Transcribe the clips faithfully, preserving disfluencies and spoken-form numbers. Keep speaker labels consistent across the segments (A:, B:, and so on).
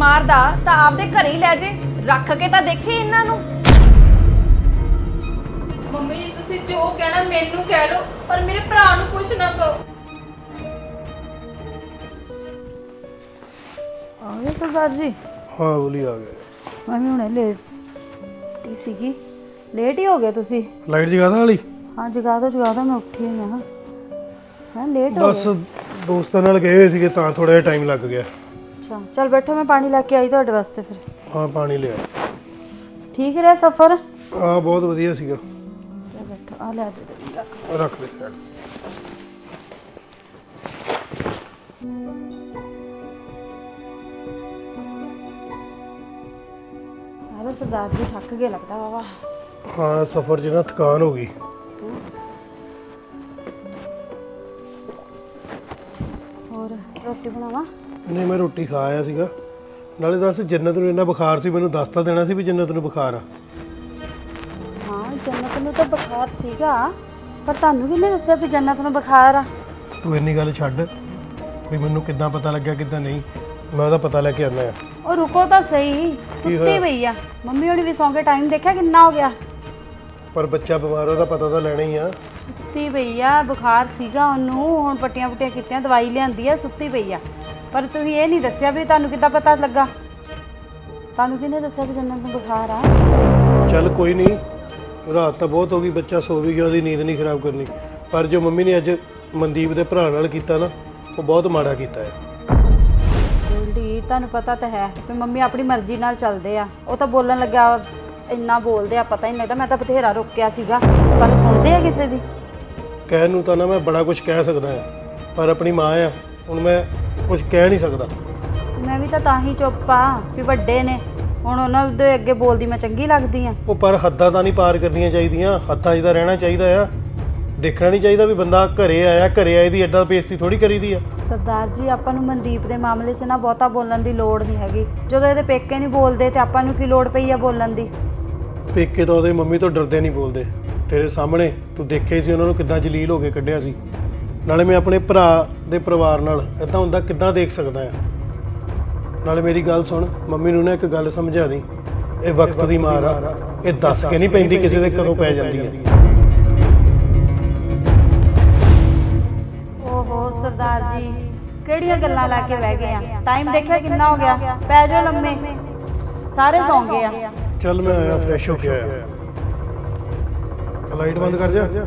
A: ਮਾਰਦਾ ਤਾਂ ਆਪਦੇ ਘਰੇ ਹੀ ਲੈ ਜੇ, ਰੱਖ ਕੇ ਤਾਂ ਦੇਖੇ ਇਹਨਾਂ ਨੂੰ।
B: ਮੰਮੀ ਜੀ ਤੁਸੀਂ ਜੋ ਕਹਿਣਾ ਮੈਨੂੰ ਕਹਿ ਲਓ, ਪਰ ਮੇਰੇ ਭਰਾ ਨੂੰ ਕੁਝ ਨਾ ਕਹੋ।
A: ਆ ਗਏ ਸਰਦਾਰ ਜੀ?
C: ਹਾਂ ਬੋਲੀ ਆ ਗਏ।
A: ਮੈਂ ਵੀ ਹੁਣੇ ਲੇਟ ਹੀ ਸੀਗੀ। ਲੇਟ ਹੀ ਹੋ ਗਏ ਤੁਸੀਂ?
C: ਲਾਈਟ ਜਗਾ ਦਾਂ ਵਾਲੀ?
A: ਹਾਂ ਜਗਾ ਦੋ ਜਗਾ ਦੋ, ਮੈਂ ਉੱਠੀ ਹੋਈ ਹਾਂ। ਮੈਂ ਲੇਟ ਹੋ
C: ਬਸ ਦੋਸਤਾਂ ਨਾਲ ਗਏ ਹੋਏ ਸੀਗੇ ਤਾਂ ਥੋੜਾ ਜਿਹਾ ਟਾਈਮ ਲੱਗ ਗਿਆ।
A: ਅੱਛਾ ਚਲ ਬੈਠੋ, ਮੈਂ ਪਾਣੀ ਲੈ ਕੇ ਆਈ ਤੁਹਾਡੇ ਵਾਸਤੇ। ਫਿਰ
C: ਹਾਂ ਪਾਣੀ ਲਿਆ।
A: ਠੀਕ ਰਿਹਾ ਸਫ਼ਰ?
C: ਹਾਂ ਬਹੁਤ ਵਧੀਆ ਸੀਗਾ।
A: ਚਲ ਬੈਠੋ, ਆ ਲੈ ਦੇ
C: ਰੱਖ ਦੇ ਸਾਈਡ।
A: ਹੈਲੋ ਸਰਦਾਰ ਜੀ, ਥੱਕ ਗਏ ਲੱਗਦਾ ਵਾਵਾ।
C: ਹਾਂ ਸਫ਼ਰ 'ਚ ਨਾ ਥਕਾਨ ਹੋ ਗਈ।
A: ਹੋਰ ਰੋਟੀ ਬਣਾਵਾਂ?
C: ਨਹੀਂ ਮੈਂ ਰੋਟੀ ਖਾ ਆਇਆ ਸੀਗਾ। ਨਾਲੇ ਦੱਸ, ਜੰਨਤ ਨੂੰ ਇੰਨਾ ਬੁਖਾਰ ਸੀ, ਮੈਨੂੰ ਦੱਸ ਤਾਂ ਦੇਣਾ ਸੀ ਵੀ ਜੰਨਤ ਨੂੰ ਬੁਖਾਰ ਆ।
A: ਹਾਂ ਜੰਨਤ ਨੂੰ ਤਾਂ ਬੁਖਾਰ ਸੀਗਾ, ਪਰ ਤੁਹਾਨੂੰ ਕਿਹਨੇ ਦੱਸਿਆ ਵੀ ਜੰਨਤ ਨੂੰ ਬੁਖਾਰ ਆ?
C: ਤੂੰ ਇੰਨੀ ਗੱਲ ਛੱਡ ਵੀ ਮੈਨੂੰ ਕਿੱਦਾਂ ਪਤਾ ਲੱਗਿਆ ਕਿੱਦਾਂ ਨਹੀਂ। ਮੈਂ ਉਹਦਾ ਪਤਾ ਲੈ ਕੇ ਆਉਣਾ ਆ।
A: ਉਹ ਰੁਕੋ ਤਾਂ ਸਹੀ, ਸੁੱਤੀ ਪਈ ਆ। ਮੰਮੀ ਹੋਣੀ ਵੀ ਸੌਂ ਕੇ ਟਾਈਮ ਦੇਖਿਆ ਕਿੰਨਾ ਹੋ ਗਿਆ?
C: ਪਰ ਬੱਚਾ ਬਿਮਾਰ, ਉਹਦਾ ਪਤਾ ਤਾਂ ਲੈਣਾ ਹੀ ਆ।
A: ਸੁੱਤੀ ਪਈ ਆ, ਬੁਖਾਰ ਸੀਗਾ ਉਹਨੂੰ, ਹੁਣ ਪੱਟੀਆਂ ਪੁੱਟੀਆਂ ਕੀਤੀਆਂ, ਦਵਾਈ ਲਿਆਂਦੀ ਆ, ਸੁੱਤੀ ਪਈ ਆ। ਪਰ ਤੁਸੀਂ ਇਹ ਨਹੀਂ ਦੱਸਿਆ ਵੀ ਤੁਹਾਨੂੰ ਕਿੱਦਾਂ ਪਤਾ ਲੱਗਾ? ਤੁਹਾਨੂੰ ਕਿਹਨੇ ਦੱਸਿਆ ਵੀ ਜੰਨਤ ਨੂੰ ਬੁਖਾਰ ਆ?
C: ਚੱਲ ਕੋਈ ਨਹੀਂ, ਰਾਤ ਤਾਂ ਬਹੁਤ ਹੋ ਗਈ, ਬੱਚਾ ਸੋ ਵੀ ਗਿਆ, ਉਹਦੀ ਨੀਂਦ ਨਹੀਂ ਖਰਾਬ ਕਰਨੀ। ਪਰ ਜੋ ਮੰਮੀ ਨੇ ਅੱਜ ਮਨਦੀਪ ਦੇ ਭਰਾ ਨਾਲ ਕੀਤਾ ਨਾ, ਉਹ ਬਹੁਤ ਮਾੜਾ ਕੀਤਾ ਹੈ।
A: ਗੋਲਡੀ ਤੁਹਾਨੂੰ ਪਤਾ ਤਾਂ ਹੈ ਵੀ ਮੰਮੀ ਆਪਣੀ ਮਰਜ਼ੀ ਨਾਲ ਚੱਲਦੇ ਆ। ਉਹ ਤਾਂ ਬੋਲਣ ਲੱਗਿਆ ਇੰਨਾ ਬੋਲਦੇ ਆ, ਪਤਾ ਹੀ ਨਹੀਂ ਲੱਗਦਾ। ਮੈਂ ਤਾਂ ਬਥੇਰਾ ਰੋਕਿਆ ਸੀਗਾ, ਪਰ ਸੁਣਦੇ ਆ ਕਿਸੇ ਦੀ?
C: ਕਹਿਣ ਨੂੰ ਤਾਂ ਨਾ ਮੈਂ ਬੜਾ ਕੁਝ ਕਹਿ ਸਕਦਾ ਹਾਂ, ਪਰ ਆਪਣੀ ਮਾਂ ਆ, ਹੁਣ ਮੈਂ ਕੁਝ ਕਹਿ ਨਹੀਂ ਸਕਦਾ।
A: ਮੈਂ ਵੀ ਤਾਂ ਤਾਂ ਹੀ ਚੁੱਪ ਆ ਵੀ ਵੱਡੇ ਨੇ, ਹੁਣ ਉਹਨਾਂ ਦੇ ਅੱਗੇ ਬੋਲਦੀ ਮੈਂ ਚੰਗੀ ਲੱਗਦੀ ਆ?
C: ਉਹ ਪਰ ਹੱਦਾਂ ਤਾਂ ਨਹੀਂ ਪਾਰ ਕਰਨੀਆਂ ਚਾਹੀਦੀਆਂ, ਹੱਦਾਂ 'ਚ ਤਾਂ ਰਹਿਣਾ ਚਾਹੀਦਾ ਆ। ਦੇਖਣਾ ਨਹੀਂ ਚਾਹੀਦਾ ਵੀ ਬੰਦਾ ਘਰੇ ਆਇਆ, ਘਰੇ ਆਏ ਦੀ ਐਡਾ ਬੇਇੱਜ਼ਤੀ ਥੋੜੀ ਕਰੀਦੀ ਆ।
A: ਸਰਦਾਰ ਜੀ ਆਪਾਂ ਨੂੰ ਮਨਦੀਪ ਦੇ ਮਾਮਲੇ 'ਚ ਨਾ ਬਹੁਤਾ ਬੋਲਣ ਦੀ ਲੋੜ ਨਹੀਂ ਹੈਗੀ। ਜਦੋਂ ਇਹਦੇ ਪੇਕੇ ਨਹੀਂ ਬੋਲਦੇ ਤੇ ਆਪਾਂ ਨੂੰ ਕੀ ਲੋੜ ਪਈ ਆ ਬੋਲਣ ਦੀ?
C: ਪੇਕੇ ਤਾਂ ਉਹਦੇ ਮੰਮੀ ਤੋਂ ਡਰਦੇ ਨਹੀਂ ਬੋਲਦੇ। ਤੇਰੇ ਸਾਹਮਣੇ ਤੂੰ ਦੇਖੇ ਸੀ ਉਹਨਾਂ ਨੂੰ ਕਿੱਦਾਂ ਜਲੀਲ ਹੋ ਕੇ ਕੱਢਿਆ ਸੀ। ਨਾਲੇ ਮੈਂ ਆਪਣੇ ਭਰਾ ਦੇ ਪਰਿਵਾਰ ਨਾਲ ਇੱਦਾਂ ਹੁੰਦਾ ਕਿੱਦਾਂ ਦੇਖ ਸਕਦਾ ਆ। ਨਾਲੇ ਮੇਰੀ ਗੱਲ ਸੁਣ, ਮੰਮੀ ਨੂੰ ਨਾ ਇੱਕ ਗੱਲ ਸਮਝਾ ਦੀ, ਇਹ ਵਕਤ ਦੀ ਮਾਰ ਆ, ਇਹ ਦੱਸ ਕੇ ਨਹੀਂ ਪੈਂਦੀ ਕਿਸੇ ਦੇ ਕਦੋਂ ਪੈ ਜਾਂਦੀ ਹੈ।
A: ਓਹੋ ਸਰਦਾਰ ਜੀ, ਕਿਹੜੀਆਂ ਗੱਲਾਂ ਲਾ ਕੇ ਬਹਿ ਗਏ ਆ? ਟਾਈਮ ਦੇਖਿਆ ਕਿੰਨਾ ਹੋ ਗਿਆ? ਪੈ ਜਾਓ ਲੰਮੇ, ਸਾਰੇ ਸੌਂ ਗਏ ਆ।
C: ਚੱਲ ਮੈਂ ਆਇਆ, ਫਰੈਸ਼ ਹੋ ਕੇ ਆਇਆ। ਲਾਈਟ ਬੰਦ ਕਰ ਜਾ।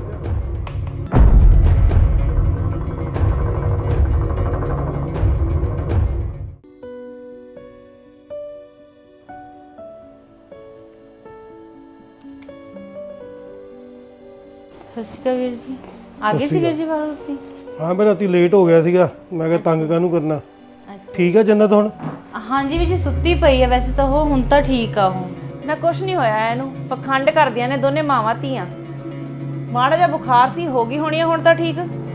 B: ਸਤਿ ਸ਼੍ਰੀ ਅਕਾਲ ਵੀਰ ਜੀ। ਆ ਗਏ ਸੀ ਵੀਰ ਜੀ ਬਾਹਰੋਂ ਤੁਸੀਂ?
C: ਹਾਂ ਮੈਂ ਰਾਤੀ ਲੇਟ ਹੋ ਗਿਆ ਸੀਗਾ, ਮੈਂ ਕਿਹਾ ਤੰਗ ਕਾਹਨੂੰ ਕਰਨਾ।
B: ਅੱਛਾ
C: ਠੀਕ ਆ ਜੰਨਤ ਹੁਣ?
B: ਹਾਂਜੀ ਵੀਰ ਜੀ, ਸੁੱਤੀ ਪਈ ਹੈ ਵੈਸੇ ਤਾਂ ਉਹ, ਹੁਣ ਤਾਂ ਠੀਕ ਆ ਉਹ।
A: ਨਾ ਕੁਛ ਨਹੀਂ ਹੋਇਆ ਇਹਨੂੰ, ਪਖੰਡ ਕਰਦੀਆਂ ਨੇ ਦੋਨੇ ਮਾਵਾਂ ਧੀਆਂ। ਮਾੜਾ ਜਿਹਾ ਬੁਖਾਰ ਸੀ, ਹੋ ਗਈ ਹੋਣੀ ਆ ਹੁਣ ਤਾਂ ਠੀਕ।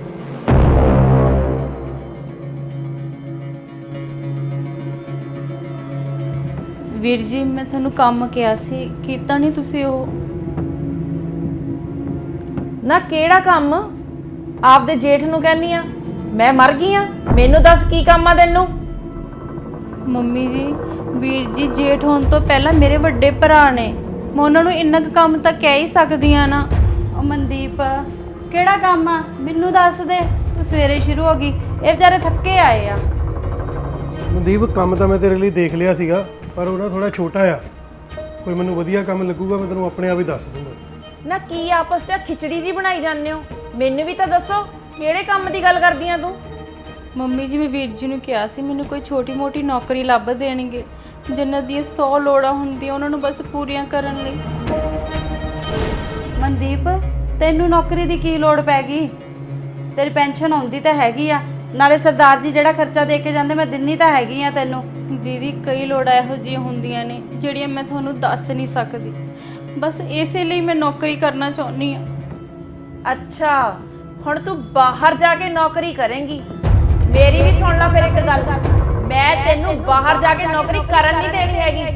B: ਵੀਰ ਜੀ ਮੈਂ ਤੁਹਾਨੂੰ ਕੰਮ ਕਿਹਾ ਸੀ, ਕੀਤਾ ਨਹੀਂ ਤੁਸੀਂ ਉਹ?
A: ਨਾ ਕਿਹੜਾ ਕੰਮ? ਆਪਦੇ ਜੇਠ ਨੂੰ ਕਹਿੰਨੀ ਆ ਮੈਂ ਮਰ ਗਈ ਆ? ਮੈਨੂੰ ਦੱਸ ਕੀ ਕੰਮ ਆ ਤੈਨੂੰ?
B: ਮੰਮੀ ਜੀ, ਵੀਰ ਜੀ ਜੇਠ ਹੋਣ ਤੋਂ ਪਹਿਲਾਂ ਮੇਰੇ ਵੱਡੇ ਭਰਾ ਨੇ, ਮੈਂ ਉਹਨਾਂ ਨੂੰ ਇੰਨਾ ਕੁ ਕੰਮ ਤਾਂ ਕਹਿ ਹੀ ਸਕਦੀ ਆ ਨਾ।
A: ਉਹ ਮਨਦੀਪ ਕਿਹੜਾ ਕੰਮ ਆ ਮੈਨੂੰ ਦੱਸ ਦੇ। ਤੂੰ ਸਵੇਰੇ ਸ਼ੁਰੂ ਹੋ ਗਈ, ਇਹ ਵਿਚਾਰੇ ਥੱਕੇ ਆਏ ਆ।
C: ਮਨਦੀਪ ਕੰਮ ਤਾਂ ਮੈਂ ਤੇਰੇ ਲਈ ਦੇਖ ਲਿਆ ਸੀਗਾ, ਪਰ ਉਹ ਨਾ ਥੋੜਾ ਛੋਟਾ ਆ। ਕੋਈ ਮੈਨੂੰ ਵਧੀਆ ਕੰਮ ਲੱਗੂਗਾ ਮੈਂ ਤੈਨੂੰ ਆਪਣੇ ਆਪ ਹੀ ਦੱਸ ਦੂੰਗਾ।
A: ਨਾ ਕੀ ਆਪਸ 'ਚ ਖਿਚੜੀ ਜੀ ਬਣਾਈ ਜਾਂਦੇ ਹੋ? ਮੈਨੂੰ ਵੀ ਤਾਂ ਦੱਸੋ ਕਿਹੜੇ ਕੰਮ ਦੀ ਗੱਲ ਕਰਦੀ ਆ ਤੂੰ?
B: ਮੰਮੀ ਜੀ ਮੈਂ ਵੀਰ ਜੀ ਨੂੰ ਕਿਹਾ ਸੀ ਮੈਨੂੰ ਕੋਈ ਛੋਟੀ ਮੋਟੀ ਨੌਕਰੀ ਲੱਭ ਦੇਣਗੇ। ਜੰਨਤ ਦੀਆਂ ਸੌ ਲੋੜਾਂ ਹੁੰਦੀਆਂ, ਉਹਨਾਂ ਨੂੰ ਬਸ ਪੂਰੀਆਂ ਕਰਨ ਲਈ।
A: ਮਨਦੀਪ ਤੈਨੂੰ ਨੌਕਰੀ ਦੀ ਕੀ ਲੋੜ ਪੈ ਗਈ? ਤੇਰੀ ਪੈਨਸ਼ਨ ਆਉਂਦੀ ਤਾਂ ਹੈਗੀ ਆ, ਨਾਲੇ ਸਰਦਾਰ ਜੀ ਜਿਹੜਾ ਖਰਚਾ ਦੇ ਕੇ ਜਾਂਦੇ ਮੈਂ ਦਿੰਨੀ ਤਾਂ ਹੈਗੀ ਆ ਤੈਨੂੰ।
B: ਦੀਦੀ ਕਈ ਲੋੜਾਂ ਇਹੋ ਜਿਹੀਆਂ ਹੁੰਦੀਆਂ ਨੇ ਜਿਹੜੀਆਂ ਮੈਂ ਤੁਹਾਨੂੰ ਦੱਸ ਨਹੀਂ ਸਕਦੀ, ਬਸ ਇਸੇ ਲਈ ਮੈਂ ਨੌਕਰੀ ਕਰਨਾ ਚਾਹੁੰਦੀ ਹਾਂ।
A: ਅੱਛਾ ਹੁਣ ਤੂੰ ਬਾਹਰ ਜਾ ਕੇ ਨੌਕਰੀ ਕਰੇਂਗੀ? ਮੇਰੀ ਵੀ ਸੁਣ ਲੈ ਫਿਰ ਇੱਕ ਗੱਲ, ਮੈਂ ਤੈਨੂੰ ਬਾਹਰ ਜਾ ਕੇ ਨੌਕਰੀ ਕਰਨ ਨਹੀਂ ਦੇਣੀ ਹੈਗੀ।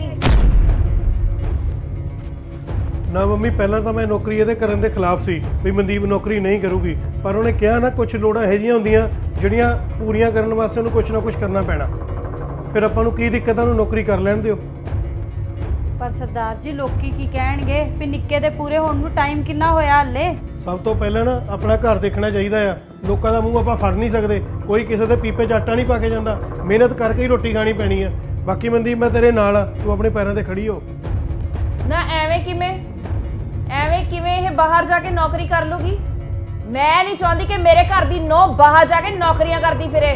C: ਨਾ ਮੰਮੀ, ਪਹਿਲਾਂ ਤਾਂ ਮੈਂ ਨੌਕਰੀ ਇਹਦੇ ਕਰਨ ਦੇ ਖਿਲਾਫ ਸੀ ਵੀ ਮਨਦੀਪ ਨੌਕਰੀ ਨਹੀਂ ਕਰੂਗੀ, ਪਰ ਉਹਨੇ ਕਿਹਾ ਨਾ ਕੁਝ ਲੋੜਾਂ ਇਹੋ ਜਿਹੀਆਂ ਹੁੰਦੀਆਂ ਜਿਹੜੀਆਂ ਪੂਰੀਆਂ ਕਰਨ ਵਾਸਤੇ ਉਹਨੂੰ ਕੁਝ ਨਾ ਕੁਝ ਕਰਨਾ ਪੈਣਾ। ਫਿਰ ਆਪਾਂ ਨੂੰ ਕੀ ਦਿੱਕਤ ਆ, ਉਹਨੂੰ ਨੌਕਰੀ ਕਰ ਲੈਣ ਦਿਓ।
A: ਪਰ ਸਰਦਾਰ ਜੀ ਲੋਕੀ ਕੀ ਕਹਿਣਗੇ ਵੀ ਨਿੱਕੇ ਦੇ ਪੂਰੇ ਹੋਣ ਨੂੰ ਟਾਈਮ ਕਿੰਨਾ ਹੋਇਆ ਹਲੇ।
C: ਸਭ ਤੋਂ ਪਹਿਲਾਂ ਨਾ ਆਪਣਾ ਘਰ ਦੇਖਣਾ ਚਾਹੀਦਾ ਆ। ਲੋਕਾਂ ਦਾ ਮੂੰਹ ਆਪਾਂ ਫੜ ਨਹੀਂ ਸਕਦੇ, ਕੋਈ ਕਿਸੇ ਦੇ ਪੀਪੇ 'ਚ ਆਟਾ ਨਹੀਂ ਪਾ ਕੇ ਜਾਂਦਾ। ਮਿਹਨਤ ਕਰਕੇ ਹੀ ਰੋਟੀ ਖਾਣੀ ਪੈਣੀ ਆ। ਬਾਕੀ ਮਨਦੀਪ ਮੈਂ ਤੇਰੇ ਨਾਲ ਆ, ਤੂੰ ਆਪਣੇ ਪੈਰਾਂ ਤੇ ਖੜੀ ਹੋ।
D: ਨਾ ਐਵੇਂ ਕਿਵੇਂ ਐਵੇਂ ਕਿਵੇਂ ਇਹ ਬਾਹਰ ਜਾ ਕੇ ਨੌਕਰੀ ਕਰ ਲੂਗੀ? ਮੈਂ ਨਹੀਂ ਚਾਹੁੰਦੀ ਕਿ ਮੇਰੇ ਘਰ ਦੀ ਨੌ ਬਾਹਰ ਜਾ ਕੇ ਨੌਕਰੀਆਂ ਕਰਦੀ ਫਿਰੇ।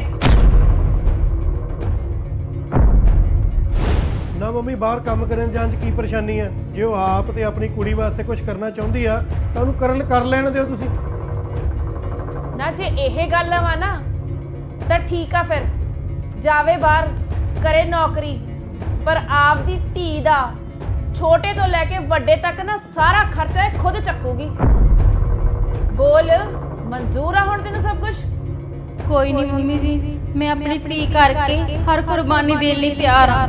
C: ਨਾ ਮੰਮੀ, ਬਾਹਰ ਕੰਮ ਕਰਨ ਜਾਣ 'ਚ ਕੀ ਪਰੇਸ਼ਾਨੀ ਆ? ਜੇ ਉਹ ਆਪ ਤੇ ਆਪਣੀ ਕੁੜੀ ਵਾਸਤੇ ਕੁਝ ਕਰਨਾ ਚਾਹੁੰਦੀ ਆ ਤਾਂ ਉਹਨੂੰ ਕਰਨ ਕਰ ਲੈਣ ਦਿਓ ਤੁਸੀਂ।
D: ਨਾ ਜੇ ਇਹ ਗੱਲ ਵਾ ਨਾ ਤਾਂ ਠੀਕ ਆ, ਫਿਰ ਜਾਵੇ ਬਾਹਰ ਕਰੇ ਨੌਕਰੀ, ਪਰ ਆਪਦੀ ਧੀ ਦਾ ਛੋਟੇ ਤੋਂ ਲੈ ਕੇ ਵੱਡੇ ਤੱਕ ਨਾ ਸਾਰਾ ਖਰਚਾ ਇਹ ਖੁਦ ਚੱਕੂਗੀ। ਬੋਲ, ਮਨਜ਼ੂਰ ਆ ਹੁਣ ਤੈਨੂੰ ਸਭ ਕੁਝ?
B: ਕੋਈ ਨਹੀਂ ਮੰਮੀ ਜੀ, ਮੈਂ ਆਪਣੀ ਧੀ ਕਰਕੇ ਹਰ ਕੁਰਬਾਨੀ ਦੇਣ ਲਈ ਤਿਆਰ ਆ।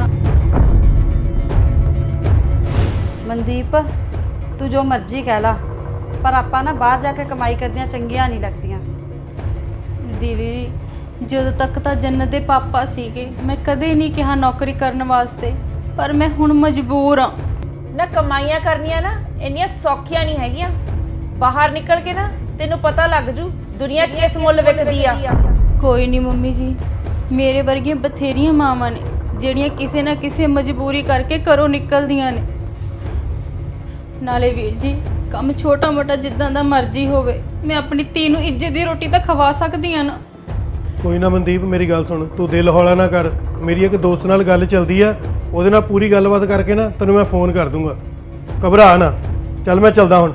A: ਮਨਦੀਪ ਤੂੰ ਜੋ ਮਰਜ਼ੀ ਕਹਿ ਲਾ, ਪਰ ਆਪਾਂ ਨਾ ਬਾਹਰ ਜਾ ਕੇ ਕਮਾਈ ਕਰਦੀਆਂ ਚੰਗੀਆਂ ਨਹੀਂ ਲੱਗਦੀਆਂ।
B: ਦੀਦੀ ਜਦੋਂ ਤੱਕ ਤਾਂ ਜੰਨਤ ਦੇ ਪਾਪਾ ਸੀਗੇ ਮੈਂ ਕਦੇ ਨਹੀਂ ਕਿਹਾ ਨੌਕਰੀ ਕਰਨ ਵਾਸਤੇ, ਪਰ ਮੈਂ ਹੁਣ ਮਜਬੂਰ ਆ।
D: ਨਾ ਕਮਾਈਆਂ ਕਰਨੀਆਂ ਨਾ ਇੰਨੀਆਂ ਸੌਖੀਆਂ ਨਹੀਂ ਹੈਗੀਆਂ। ਬਾਹਰ ਨਿਕਲ ਕੇ ਨਾ ਤੈਨੂੰ ਪਤਾ ਲੱਗ ਜੂ ਦੁਨੀਆ ਕਿਸ ਮੁੱਲ ਵਿਕਦੀ ਆ।
B: ਕੋਈ ਨਹੀਂ ਮੰਮੀ ਜੀ, ਮੇਰੇ ਵਰਗੀਆਂ ਬਥੇਰੀਆਂ ਮਾਵਾਂ ਨੇ ਜਿਹੜੀਆਂ ਕਿਸੇ ਨਾ ਕਿਸੇ ਮਜਬੂਰੀ ਕਰਕੇ ਘਰੋਂ ਨਿਕਲਦੀਆਂ ਨੇ। ਨਾਲੇ ਵੀਰ ਜੀ ਕੰਮ ਛੋਟਾ ਮੋਟਾ ਜਿੱਦਾਂ ਦਾ ਮਰਜ਼ੀ ਹੋਵੇ, ਮੈਂ ਆਪਣੀ ਧੀ ਨੂੰ ਇੱਜ਼ਤ ਦੀ ਰੋਟੀ ਤਾਂ ਖਵਾ ਸਕਦੀ ਆ ਨਾ।
C: ਕੋਈ ਨਾ ਮਨਦੀਪ, ਮੇਰੀ ਗੱਲ ਸੁਣ, ਤੂੰ ਦਿਲ ਹੌਲਾ ਨਾ ਕਰ। ਮੇਰੀ ਇੱਕ ਦੋਸਤ ਨਾਲ ਗੱਲ ਚੱਲਦੀ ਆ, ਉਹਦੇ ਨਾਲ ਪੂਰੀ ਗੱਲਬਾਤ ਕਰਕੇ ਨਾ ਤੈਨੂੰ ਮੈਂ ਫੋਨ ਕਰ ਦੂੰਗਾ। ਘਬਰਾ ਨਾ। ਚੱਲ ਮੈਂ ਚੱਲਦਾ ਹੁਣ।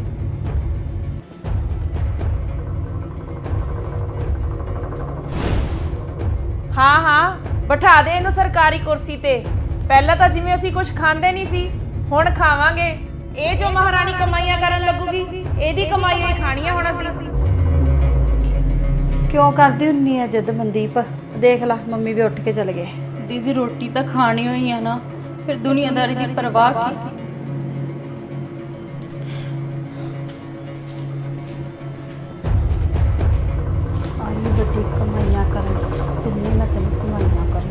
D: ਹਾਂ ਹਾਂ, ਬਿਠਾ ਦੇ ਇਹਨੂੰ ਸਰਕਾਰੀ ਕੁਰਸੀ ਤੇ। ਪਹਿਲਾਂ ਤਾਂ ਜਿਵੇਂ ਅਸੀਂ ਕੁਝ ਖਾਂਦੇ ਨਹੀਂ ਸੀ, ਹੁਣ ਖਾਵਾਂਗੇ। ਇਹ ਜੋ ਮਹਾਰਾਣੀ ਕਮਾਈਆਂ ਕਰਨ ਲੱਗੂਗੀ, ਇਹਦੀ ਕਮਾਈ ਹੋਈ ਖਾਣੀ ਆ ਹੁਣ ਅਸੀਂ।
A: ਕਿਉਂ ਕਰਦੀ ਹੁੰਨੀ ਆ ਜਿੱਦ ਮਨਦੀਪ? ਦੇਖ ਲੈ ਮੰਮੀ ਵੀ ਉੱਠ ਕੇ ਚਲੇ ਗਏ।
B: ਦੀਦੀ ਰੋਟੀ ਤਾਂ ਖਾਣੀ ਹੋਈ ਆ ਨਾ, ਫਿਰ ਦੁਨੀਆਦਾਰੀ ਦੀ ਪਰਵਾਹ ਕੀ?
A: ਆਈ ਵੱਡੀ ਕਮਾਈਆਂ ਕਰਨ, ਤਿੰਨੇ ਮੈਂ ਤੈਨੂੰ ਕਮਾਈਆਂ ਕਰਨ।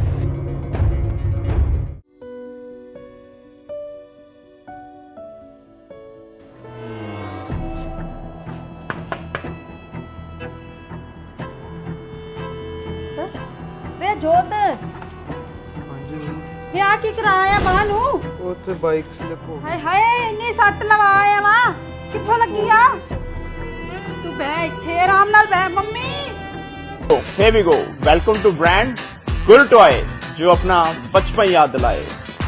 A: ਵੇ ਜੋਤ,
E: ਹਾਂਜੀ
A: ਵੇ ਆ ਕੀ ਕਰਾਇਆ ਮਾਂ ਨੂੰ?
E: ਉੱਥੇ ਬਾਈਕ ਸਲਿਪ ਹੋ
A: ਹਾਏ ਹਾਏ ਇੰਨੀ ਸੱਟ ਲਵਾਇਆ ਵਾ, ਕਿੱਥੋਂ ਲੱਗੀ ਆ? ਤੂੰ ਬਹਿ ਇੱਥੇ ਆਰਾਮ ਨਾਲ ਬਹਿ। Mummy
F: Here we go. Welcome to brand Gul Toy, जो अपना बचपन याद दिलाए.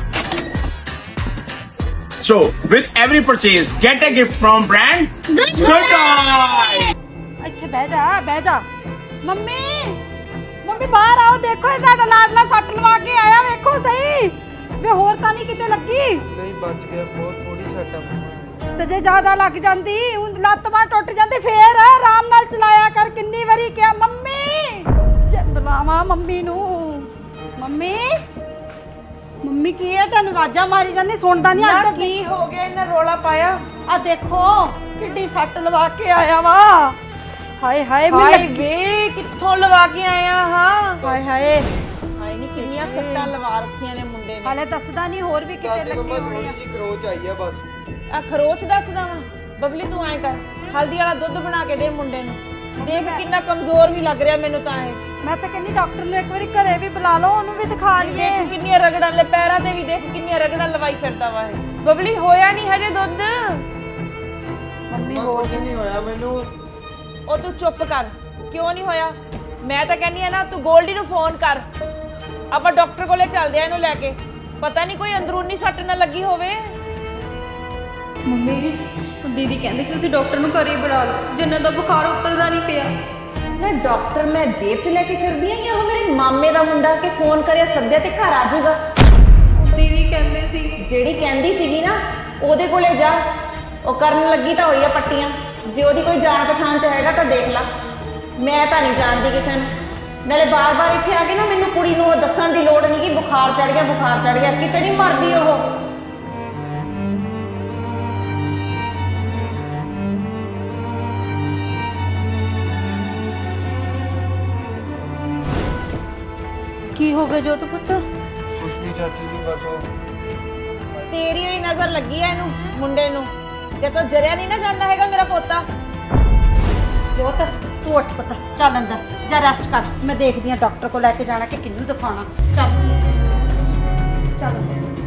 F: So, with every purchase, get a gift from brand Gul Toy.
A: ਇੱਥੇ ਬਹਿ ਜਾ, ਬਹਿ ਜਾ। ਮੰਮੀ ਮੰਮੀ ਬਾਹਰ ਆਓ, ਦੇਖੋ ਇਹ ਤੁਹਾਡਾ ਲਾਡਲਾ ਸੱਟ ਲਵਾ ਕੇ ਆਇਆ, ਵੇਖੋ ਸਹੀ। ਵੇ ਹੋਰ ਤਾਂ ਨਹੀਂ ਕਿਤੇ ਲੱਗੀ?
E: ਨਹੀਂ ਬਚ ਗਿਆ, ਬਹੁਤ ਥੋੜੀ ਸੱਟ ਆ।
A: ਤੇ ਜੇ ਜ਼ਿਆਦਾ ਲੱਗ ਜਾਂਦੀ, ਊਂ ਲੱਤ ਬਾਂਹ ਟੁੱਟ ਜਾਂਦੀ, ਫੇਰ ਆਰਾਮ ਨਾਲ ਚਲਾਇਆ ਕਰ। ਕਿੰਨੀ ਵਾਰੀ ਕਿਹਾ ਮੰਮੀ, ਜੇ ਬੁਲਾਵਾਂ ਮੰਮੀ ਨੂੰ। ਮੰਮੀ ਮੰਮੀ ਕੀ ਹੈ? ਤੁਹਾਨੂੰ ਆਵਾਜ਼ਾਂ ਮਾਰੀ ਜਾਂਦੀ, ਸੁਣਦਾ ਨਹੀਂ?
D: ਨਾ
A: ਅੱਜ
D: ਕੀ ਹੋ ਗਿਆ, ਇਹਨਾਂ ਰੋਲਾ ਪਾਇਆ?
A: ਆ ਦੇਖੋ ਕਿੱਡੀ ਸੱਟ ਲਵਾ ਕੇ ਆਇਆ ਵਾ। ਹਾਏ ਹਾਏ
D: ਹਾਏ
A: ਮੈਨੂੰ
D: ਵੇ, ਕਿੱਥੋਂ ਲਵਾ ਕੇ ਆਇਆ? ਹਾਂ
A: ਹਾਏ ਹਾਏ
D: ਹਾਏ ਨਹੀਂ, ਕਿੰਨੀਆਂ ਸੱਟਾਂ ਲਵਾ ਰੱਖੀਆਂ ਨੇ ਮੁੰਡੇ ਨੇ।
A: ਹਾਲੇ ਦੱਸਦਾ ਨਹੀਂ, ਹੋਰ ਵੀ ਕਿਤੇ
E: ਦਾਦੀ
A: ਲੱਗੀ
E: ਮੰਮਾ
A: ਹੋਣੀ
E: ਥੋੜੀ
A: ਆ।
E: ਜਿਹੀ ਖਰੋਚ ਆਈ ਆ ਬਸ।
D: ਆ ਖਰੋਚ ਦੱਸਦਾ ਵਾ? ਬਬਲੀ ਤੂੰ ਐਂ ਕਰ, ਹਲਦੀ ਵਾਲਾ ਦੁੱਧ ਬਣਾ ਕੇ ਦੇ ਮੁੰਡੇ ਨੂੰ। ਦੇਖ ਕਿੰਨਾ ਕਮਜ਼ੋਰ ਵੀ ਲੱਗ ਰਿਹਾ ਮੈਨੂੰ ਤਾਂ ਇਹ।
A: ਮੈਂ ਤਾਂ ਕਹਿੰਦੀ ਡਾਕਟਰ ਨੂੰ ਇੱਕ ਵਾਰੀ ਘਰੇ ਵੀ ਬੁਲਾ ਲਓ, ਉਹਨੂੰ ਵੀ ਦਿਖਾ ਲਈਏ।
D: ਦੇਖ ਕਿੰਨੀਆਂ ਰਗੜਾਂ ਲੈ ਪੈਰਾਂ ਤੇ ਵੀ, ਦੇਖ ਕਿੰਨੀਆਂ ਰਗੜਾਂ ਲਵਾਈ ਫਿਰਦਾ ਵਾ ਇਹ। ਬਬਲੀ ਹੋਇਆ ਨਹੀਂ ਹਜੇ ਦੁੱਧ?
A: ਮੰਮੀ
E: ਮੰਮਾ
A: ਹੋ
E: ਕੁਝ ਨਹੀਂ ਹੋਇਆ ਮੈਨੂੰ।
D: ਉਹ ਤੂੰ ਚੁੱਪ ਕਰ। ਕਿਉਂ ਨਹੀਂ ਹੋਇਆ? ਮੈਂ ਤਾਂ ਕਹਿੰਦੀ ਆ ਨਾ, ਤੂੰ ਗੋਲਡੀ ਨੂੰ ਫੋਨ ਕਰ, ਆਪਾਂ ਡਾਕਟਰ ਕੋਲੇ ਚੱਲਦੇ ਆ ਇਹਨੂੰ ਲੈ ਕੇ। ਪਤਾ ਨਹੀਂ ਕੋਈ ਅੰਦਰੂਨੀ ਸੱਟ ਨਾ ਲੱਗੀ ਹੋਵੇ।
B: ਮੰਮੀ ਜੀ ਦੀਦੀ ਕਹਿੰਦੇ ਸੀ ਤੁਸੀਂ ਡਾਕਟਰ ਨੂੰ ਘਰੇ ਹੀ ਬੁਲਾ ਲਓ, ਜੰਨਤ ਦਾ ਬੁਖਾਰ ਉਤਰਦਾ ਨਹੀਂ ਪਿਆ।
G: ਨਾ ਡਾਕਟਰ ਮੈਂ ਜੇਬ 'ਚ ਲੈ ਕੇ ਫਿਰਦੀ ਆ, ਜਾਂ ਉਹ ਮੇਰੇ ਮਾਮੇ ਦਾ ਮੁੰਡਾ ਕਿ ਫੋਨ ਕਰਿਆ ਸੱਦਿਆ ਤੇ ਘਰ ਆ ਜਾਊਗਾ?
B: ਉਹ ਦੀਦੀ ਕਹਿੰਦੇ ਸੀ।
G: ਜਿਹੜੀ ਕਹਿੰਦੀ ਸੀਗੀ ਨਾ ਉਹਦੇ ਕੋਲੇ ਜਾ, ਉਹ ਕਰਨ ਲੱਗੀ ਤਾਂ ਹੋਈ ਆ ਪੱਟੀਆਂ। ਜੇ ਉਹਦੀ ਕੋਈ ਜਾਣ ਪਛਾਣ 'ਚ ਹੈਗਾ ਤਾਂ ਦੇਖ ਲਾ। ਮੈਂ ਤਾਂ ਨਹੀਂ ਜਾਣਦੀ ਕਿਸੇ ਨੂੰ। ਨਾਲੇ ਬਾਰ-ਬਾਰ ਇੱਥੇ ਆ ਕੇ ਨਾ ਮੈਨੂੰ ਕੁੜੀ ਨੂੰ ਉਹ ਦੱਸਣ ਦੀ ਲੋੜ ਨਹੀਂ ਕਿ ਬੁਖਾਰ ਚੜ ਗਿਆ, ਬੁਖਾਰ ਚੜ ਗਿਆ। ਕਿਤੇ ਨਹੀਂ ਮਰਦੀ ਉਹ।
B: ਕੀ ਹੋ ਗਿਆ ਜੋਤ ਪੁੱਤ?
E: ਕੁਛ ਨਹੀਂ ਚਾਚੀ ਜੀ, ਬਸ ਉਹ
G: ਤੇਰੀ ਹੋਈ ਨਜ਼ਰ ਲੱਗੀ ਐ ਇਹਨੂੰ ਮੁੰਡੇ ਨੂੰ, ਜੇ ਤੋ ਜਰਿਆ ਨਹੀਂ ਨਾ ਜਾਂਦਾ ਹੈਗਾ ਮੇਰਾ ਪੋਤਾ।
A: ਜੋਤ ਤੂੰ ਉੱਠ ਪੁੱਤ, ਚੱਲ ਅੰਦਰ ਜਾ ਰੈਸਟ ਕਰ। ਮੈਂ ਦੇਖਦੀ ਆ ਡਾਕਟਰ ਕੋਲ ਲੈ ਕੇ ਜਾਣਾ ਕਿ ਕਿਹਨੂੰ ਦਿਖਾਉਣਾ। ਚੱਲ ਚੱਲ